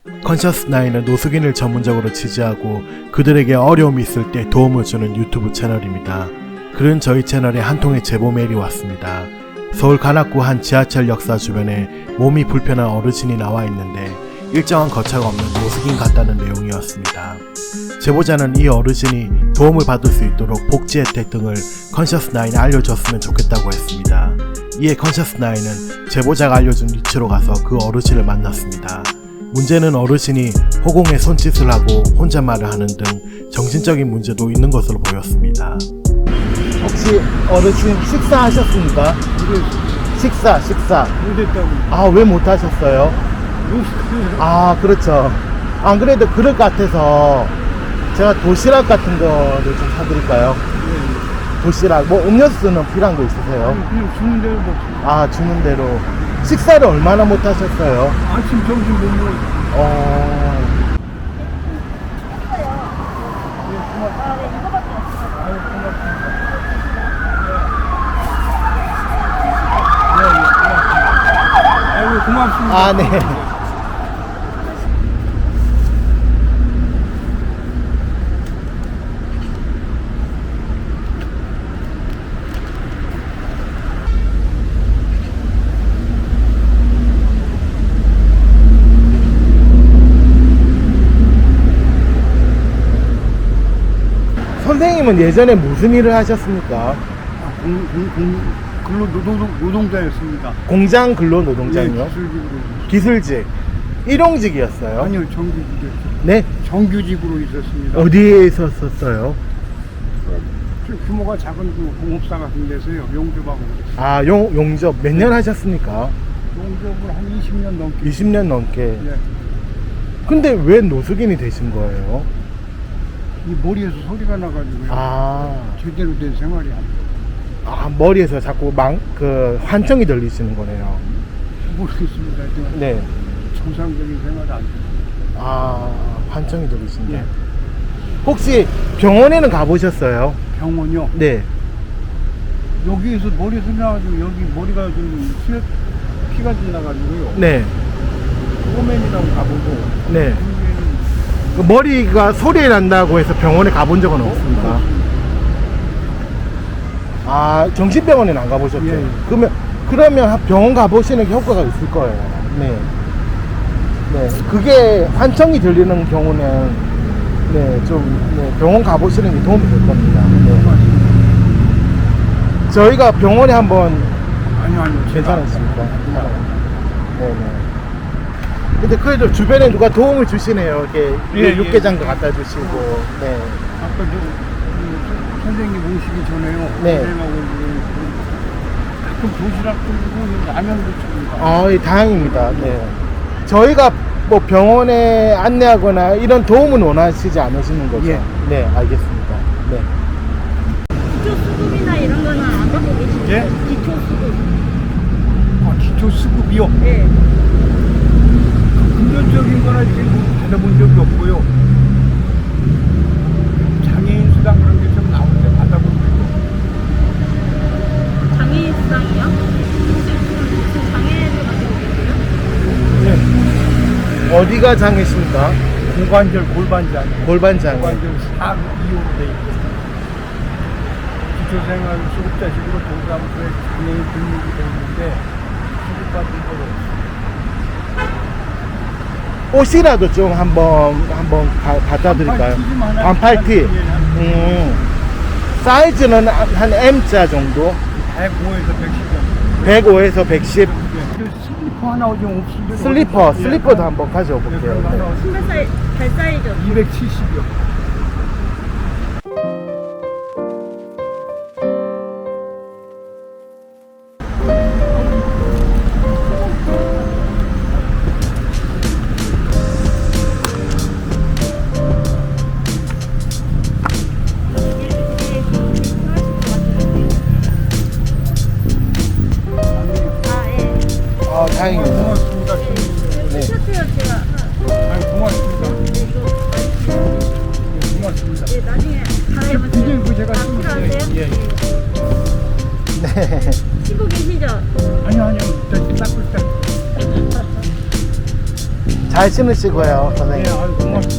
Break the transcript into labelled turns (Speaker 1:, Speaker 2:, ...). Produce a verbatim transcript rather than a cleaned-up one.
Speaker 1: 컨셔스나인은 노숙인을 전문적으로 지지하고 그들에게 어려움이 있을 때 도움을 주는 유튜브 채널입니다. 그런 저희 채널에 한 통의 제보 메일이 왔습니다. 서울 관악구 한 지하철 역사 주변에 몸이 불편한 어르신이 나와 있는데 일정한 거처가 없는 노숙인 같다는 내용이었습니다. 제보자는 이 어르신이 도움을 받을 수 있도록 복지 혜택 등을 컨셔스나인에 알려줬으면 좋겠다고 했습니다. 이에 컨셔스나인은 제보자가 알려준 위치로 가서 그 어르신을 만났습니다. 문제는 어르신이 허공에 손짓을 하고 혼잣말을 하는 등 정신적인 문제도 있는 것으로 보였습니다. 혹시 어르신 식사하셨습니까? 식사, 식사. 아, 왜 못하셨어요? 아, 그렇죠. 안 그래도 그럴 것 같아서 제가 도시락 같은 거를 좀 사드릴까요? 도시락, 뭐 음료수는 필요한 거 있으세요?
Speaker 2: 그냥 주는 대로 먹
Speaker 1: 아, 주는 대로. 식사를 얼마나 못하셨어요?
Speaker 2: 아침, 점심 못 먹어.
Speaker 1: 어...
Speaker 2: 아이고, 고맙습니다.
Speaker 1: 아, 네. 선생님은 예전에 무슨 일을 하셨습니까?
Speaker 2: 아, 공, 공, 공, 근로 노동, 노동자였습니다.
Speaker 1: 공장 근로 노동자요?
Speaker 2: 예, 기술직으로.
Speaker 1: 기술직. 일용직이었어요?
Speaker 2: 아니요, 정규직이었죠.
Speaker 1: 네?
Speaker 2: 정규직으로 있었습니다.
Speaker 1: 어디에 있었어요?
Speaker 2: 좀 규모가 작은 그 공업사 같은 데서요, 용접하고 그랬어요.
Speaker 1: 아, 용, 용접 몇 년 하셨습니까?
Speaker 2: 용접을 한 이십 년 넘게.
Speaker 1: 이십 년 넘게.
Speaker 2: 예.
Speaker 1: 근데 왜 노숙인이 되신 거예요?
Speaker 2: 이 머리에서 소리가 나가지고요.
Speaker 1: 아,
Speaker 2: 제대로 된 생활이 안 돼요.
Speaker 1: 아 머리에서 자꾸 망, 그, 환청이 들리시는 거네요.
Speaker 2: 모르겠습니다. 하지만
Speaker 1: 네.
Speaker 2: 정상적인 생활이 안 돼요.
Speaker 1: 아, 환청이 들리신데.
Speaker 2: 예.
Speaker 1: 혹시 병원에는 가보셨어요?
Speaker 2: 병원요.
Speaker 1: 네.
Speaker 2: 여기에서 머리 소리 나가지고 여기 머리가 좀 수액 피가 좀 나가지고요.
Speaker 1: 네.
Speaker 2: 호맨이라고 가보고.
Speaker 1: 네.
Speaker 2: 여기에는
Speaker 1: 그 머리가 소리 난다고 해서 병원에 가본 적은 없습니까? 아, 정신병원에는 안 가보셨죠?
Speaker 2: 예.
Speaker 1: 그러면, 그러면 병원 가보시는 게 효과가 있을 거예요. 네. 네. 그게 환청이 들리는 경우는, 네, 좀, 네, 병원 가보시는 게 도움이 될 겁니다. 네. 저희가 병원에 한번
Speaker 2: 아니요, 아니요.
Speaker 1: 괜찮으십니까? 네네. 근데 그래도 주변에 누가 도움을 주시네요. 이렇게
Speaker 2: 예,
Speaker 1: 육개장도 갖다 주시고, 네.
Speaker 2: 아까 저 그, 선생님 오시기 전에요.
Speaker 1: 네.
Speaker 2: 선생님하고 그 가끔 도시락도 주고 라면도 줍니다.
Speaker 1: 아, 예, 다행입니다. 네. 저희가 뭐 병원에 안내하거나 이런 도움은 원하시지 않으시는 거죠?
Speaker 2: 예.
Speaker 1: 네, 알겠습니다. 네.
Speaker 3: 기초 수급이나 이런 거는 안 받고 계시죠?
Speaker 2: 예?
Speaker 3: 기초 수급.
Speaker 2: 아, 기초 수급이요?
Speaker 3: 네.
Speaker 2: 금전적인 거나 이렇게 뭐 받아본 적이 없고요. 장애인 수당 그런 게 좀 나올 때 받아본 적이 없고.
Speaker 3: 장애인 수당이요? 혹시 무슨 장애를 가지고 계세요?
Speaker 2: 네.
Speaker 1: 어디가 장애십니까?
Speaker 2: 고관절, 골반장.
Speaker 1: 골반 장애.
Speaker 2: 고관절 삼, 이호로 돼 있고. 기초생활 수급자식으로 동사무소에 장애인 등록이 돼 있는데 수급받은 거로.
Speaker 1: 옷이라도 좀 한번 한번 가- 갖다 드릴까요?
Speaker 2: 반팔 티 좀 하나
Speaker 1: 반팔 티.
Speaker 2: 예, 한
Speaker 1: 음. 사이즈는 한 M자 정도?
Speaker 2: 백오에서 백십 정도.
Speaker 1: 백오에서 백십.
Speaker 2: 예. 그 슬리퍼 하나 좀 없으면
Speaker 1: 슬리퍼, 슬리퍼도 한번 가져와 볼게요. 네.
Speaker 3: 신발 사이, 발 사이즈.
Speaker 2: 이백칠십이요.
Speaker 3: 아, 예.
Speaker 1: 아, 다행입니다.
Speaker 2: 고맙습니다.
Speaker 1: 네.
Speaker 3: 티셔츠요, 제가.
Speaker 2: 아유, 고맙습니다.
Speaker 3: 네, 이거.
Speaker 1: 잘 신으시고요,
Speaker 2: 네,
Speaker 1: 선생님.
Speaker 2: 아유, 고맙습니다.